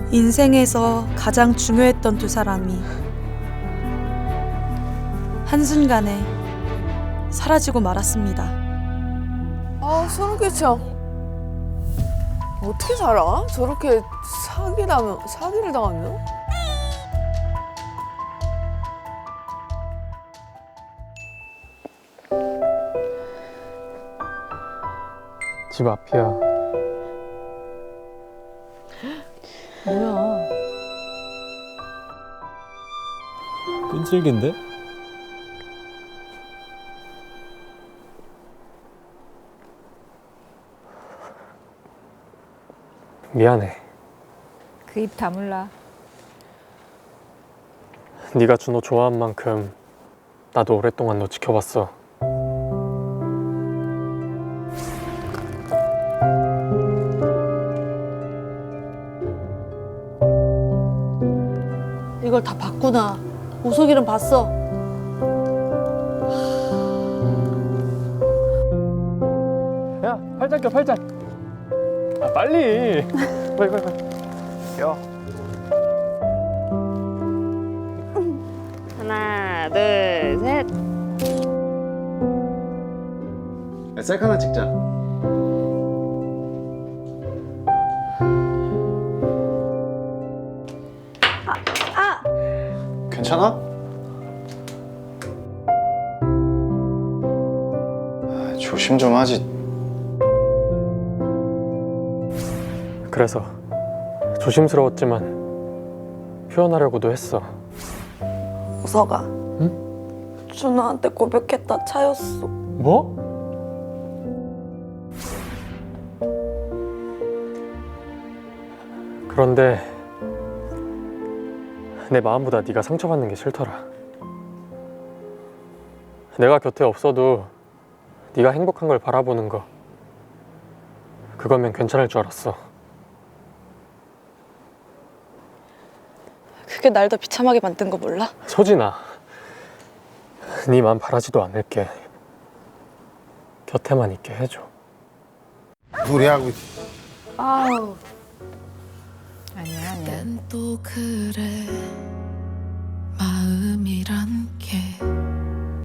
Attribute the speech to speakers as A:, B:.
A: 인생에서 가장 중요했던 두 사람이 한순간에 사라지고 말았습니다.
B: 아, 소름 끼쳐. 어떻게 살아? 저렇게 사기를 당하면?
C: 집 앞이야.
D: 뭐야?
E: 끈질긴데?
C: 미안해.
D: 그 입 다물라.
C: 네가 준호 좋아한 만큼 나도 오랫동안 너 지켜봤어.
F: 이걸 다 봤구나. 우석이는 봤어.
C: 야, 팔짱 껴, 팔짱. 아, 빨리. 빨리, 빨리, 빨리. 껴.
B: 하나, 둘, 셋.
E: 셀카 하나 찍자. 괜찮아? 조심 좀 하지.
C: 그래서 조심스러웠지만 표현하려고도 했어.
A: 우석아. 준호한테 고백했다 차였어.
C: 뭐? 그런데 내 마음보다 네가 상처받는 게 싫더라. 내가 곁에 없어도 네가 행복한 걸 바라보는 거, 그거면 괜찮을 줄 알았어.
A: 그게 날 더 비참하게 만든 거 몰라?
C: 소진아, 네 맘 바라지도 않을게. 곁에만 있게 해줘.
E: 노래하고 있어.
F: 아우.
D: 아니야, 아니야.
G: 또 그래 마음이란 게